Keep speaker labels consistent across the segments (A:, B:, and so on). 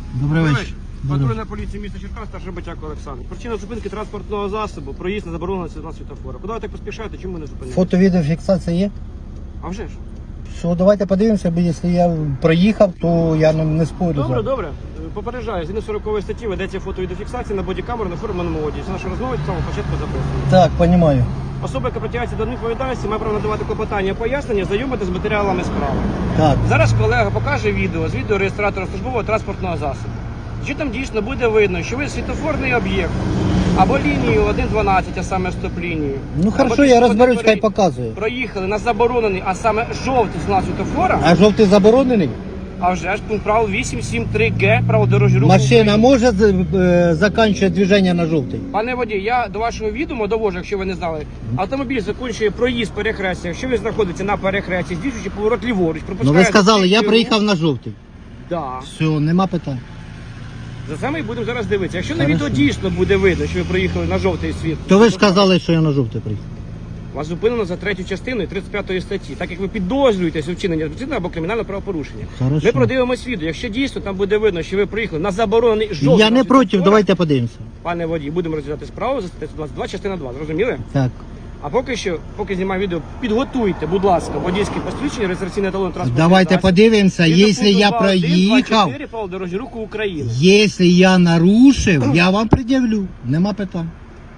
A: Добрий вечір.
B: Патрульна поліція міста Черкас, старший Батяк Олександр. Причина зупинки транспортного засобу, проїзд на заборонений світла світофора. Куди ви так поспішаєте, чому ви не зупиняєте?
A: Фото-відеофіксація є?
B: А вже ж.
A: Що, давайте подивимося, бо якщо я проїхав, то я не спорю.
B: Добре, добре. Попереджаю, згідно 40 статті ведеться фото-відеофіксація на бодікамеру на форменому одязі. Це наша розмова від самого початку записуємо.
A: Так, розумію.
B: Особа, яка притягається до відповідальності, має право надавати клопотання, пояснення, знайомити з матеріалами справи.
A: Так.
B: Зараз колега покаже відео з відеореєстратора службового транспортного засобу. Чи там дійсно буде видно, що ви світофорний об'єкт або лінію 1.12, а саме стоп-лінію.
A: Ну хорошо, я розберусь, хай показує.
B: Проїхали на заборонений, а саме жовтий знак світофора,
A: А жовтий заборонений?
B: а вже ж пункт правил 873Г, право дорожнього руху.
A: Машина
B: України.
A: може закінчувати движення на жовтий?
B: Пане водій, я до вашого відома довожу, якщо ви не знали. Автомобіль закінчує проїзд перехрестя. Якщо він знаходиться на перехресті, здійснюючи поворот ліворуч,
A: Ну
B: пропускає...
A: ви сказали, я
B: зустрічну
A: приїхав на жовтий.
B: Да.
A: Все, нема питань.
B: За це ми будемо зараз дивитися. Якщо на
A: Хорошо.
B: відео дійсно буде видно, що ви проїхали на жовтий світ,
A: То ви ж казали, що я на жовтий приїхав.
B: вас зупинено за 3 частиною 35 статті, так як ви підозрюєтесь у вчиненні адміністративного або кримінального правопорушення.
A: Хорошо.
B: Ми продивимось відео. Якщо дійсно там буде видно, що ви приїхали на заборонений жовтий...
A: Я не
B: знак
A: проти,
B: світлофора,
A: давайте подивимося.
B: Пане водій, будемо розглядати справу за статтею 22, частина 2. Зрозуміли?
A: Так.
B: А поки знімаю відео, підготуйте, будь ласка, водійське посвідчення, реєстраційний талон транспортного
A: Давайте
B: засобу.
A: подивимося,
B: Згідно
A: якщо
B: пункту
A: я
B: 2.1,
A: проїхав,
B: 2.4 правил дорожнього руху України.
A: якщо я нарушив, я вам пред'явлю. Нема питань.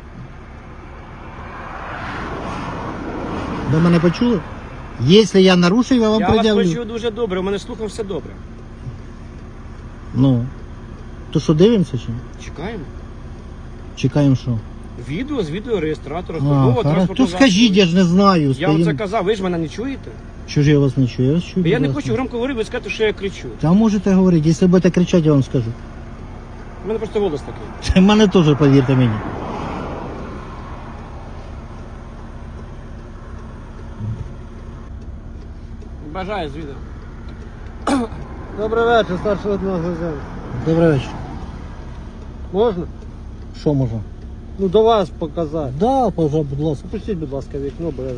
A: Ви мене почули? Якщо я нарушив, я вам
B: Я вас
A: пред'явлю.
B: почув дуже добре, у мене слухом все добре.
A: Ну. То що, дивимося чи? ні?
B: Чекаємо.
A: Чекаємо що?
B: Відео з відеореєстратора
A: А,
B: службового
A: хорошо.
B: транспортного
A: То скажіть, я ж не знаю.
B: Я вам це
A: Стоїм.
B: казав, ви ж мене не чуєте?
A: Що ж я вас не чую? Я вас чую.
B: Я не
A: будь
B: хочу
A: ласка.
B: громко говорити, ви скажете, що я кричу.
A: Та можете говорити, якщо будете кричати, я вам скажу.
B: У мене просто голос такий.
A: Це в мене теж, повірте мені.
B: Бажаю з відео.
C: Добрий вечір, старший одногазен.
A: Добрий вечір.
C: Можна?
A: Що можна?
C: Ну до вас показати.
A: Да, пожалуйста, будь ласка.
C: Пустіть, будь ласка, вікно, бо я...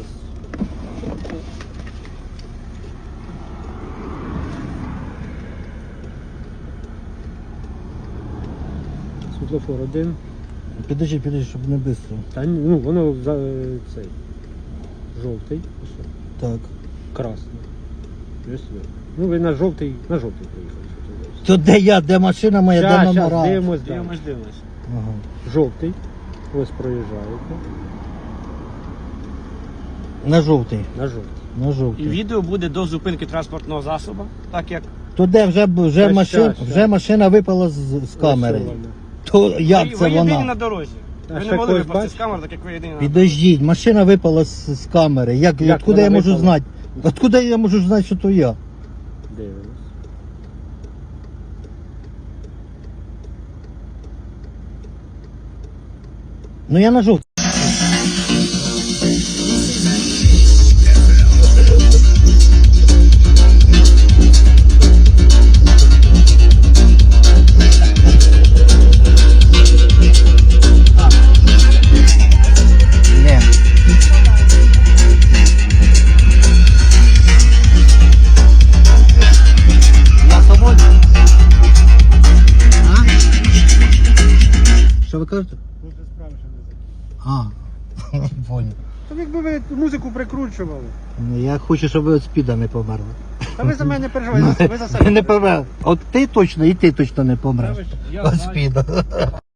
C: Світлофор один.
A: Підожди, щоб не швидко.
C: Та ні, ну воно за цей. Жовтий. Ось,
A: Так.
C: красний. Ось ви. Ну ви на жовтий приїхали.
A: То де я, де машина моя, де
C: Щас,
A: номера?
C: дивимось, далі.
B: Дивимось.
A: Ага.
C: Жовтий. Ось проїжджаєте.
A: На жовтий.
C: На жовтий.
A: На
B: І
A: жовтий.
B: відео буде до зупинки транспортного засобу, так як
A: То де
C: Щас.
A: вже машина випала з камери.
C: Ось вона.
A: То як
B: ви
A: це
B: єдині на
A: вона?
B: дорозі.
C: А
B: Ви
C: ще
B: не могли
C: когось
B: випасти з
C: бачите?
B: камери, так як ви єдині на
A: Підождіть, машина випала з камери. Як откуда
C: вона
A: я можу
C: випала?
A: знати? Откуда я можу знати, що то я?
C: Дивимось.
A: Ну я на жовтий. Не. Я свободен. А? Що ви кажете? А, понял.
C: Та якби ви музику прикручували.
A: Ну, я хочу, щоб ви від спіда не померли.
C: Та ви за мене не переживайте, ви за себе.
A: Не помер. От ти точно, і ти точно не помреш.
B: Я
A: Від
B: знаю.
A: спіда.